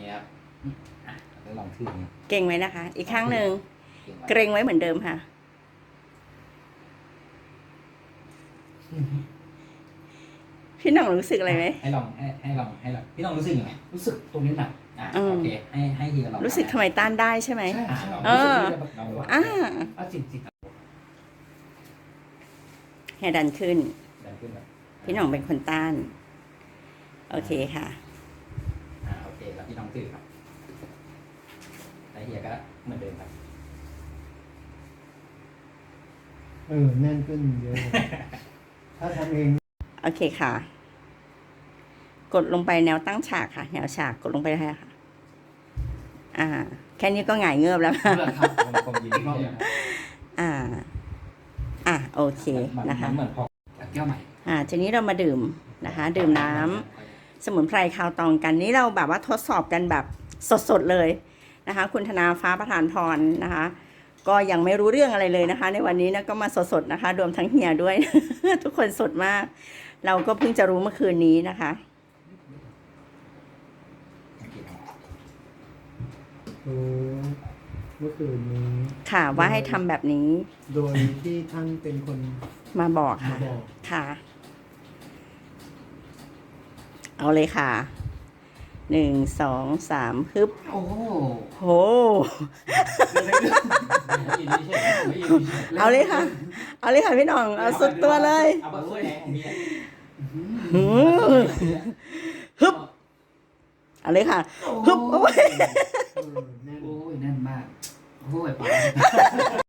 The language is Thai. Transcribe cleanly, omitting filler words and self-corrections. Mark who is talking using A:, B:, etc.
A: นี้ครับแล้วลองทื่อนี้
B: เก่งไว้นะคะ อีกครั้งหนึ่งเกรงไว้เหมือนเดิมค่ะพี่หน่องรู้สึกอะไรไหม
A: ให้ลองพี่น้องรู้สึกยังไงรู้สึกตรงนี้หนักโอเคให้ทีละลอง
B: รู้สึกทำไมต้านได้ใช่ไหม
A: ใช่
B: อ่า
A: จริง
B: ให้ดันขึ้น
A: ดันขึ้นแบบ
B: พี่หน่องเป็นคนต้าน โอเคค่ะ
A: โอเคแล้วพี่น้องตื้อครับแล้วเฮียก็เหมือนเดิมครับ
C: แน่นขึ้นเยอะเลยถ้าทำเอง
B: โอเคค่ะ กดลงไปแนวตั้งฉากค่ะ แนวฉากกดลงไปเลยค่ะ แค่นี้ก็หงายเงือบแล้ว
A: เพื่อนครับผมยินดีรอบนึง
B: โอเคนะคะ
A: เหมือนพอแก้วใหม่
B: ทีนี้เรามาดื่มนะคะ ดื่มน้ำสมุนไพรคาวตองกันนี้เราแบบว่าทดสอบกันแบบสดๆเลยนะคะ คุณธนาฟ้าประธานพรนะคะ ก็ยังไม่รู้เรื่องอะไรเลยนะคะ ในวันนี้นะก็มาสดๆนะคะรวมทั้งเฮียด้วย ทุกคนสดมาก เราก็เพิ่งจะรู้เมื่อคืนนี้นะคะ
C: เมื่อคืนนี้
B: ค่ะว่าให้ทำแบบนี้
C: โดยที่ท่านเป็นคน
B: มาบอกค่ะ
C: มาบอก
B: ค่ะ เอาเลยค่ะ 1 2 3ฮึบ
A: โอ้โห
B: โห เอาเลยค่ะ เอาเลยค่ะพี่หน้อง เอาสุดตัวเลย
A: เอาแบบช่วยแรงของเมีย
B: ฮึบ เอาเลยค่ะ ฮึบ โอ้ย
C: แน่น
A: โอ้ยแน่นมากโอ้ยป๋า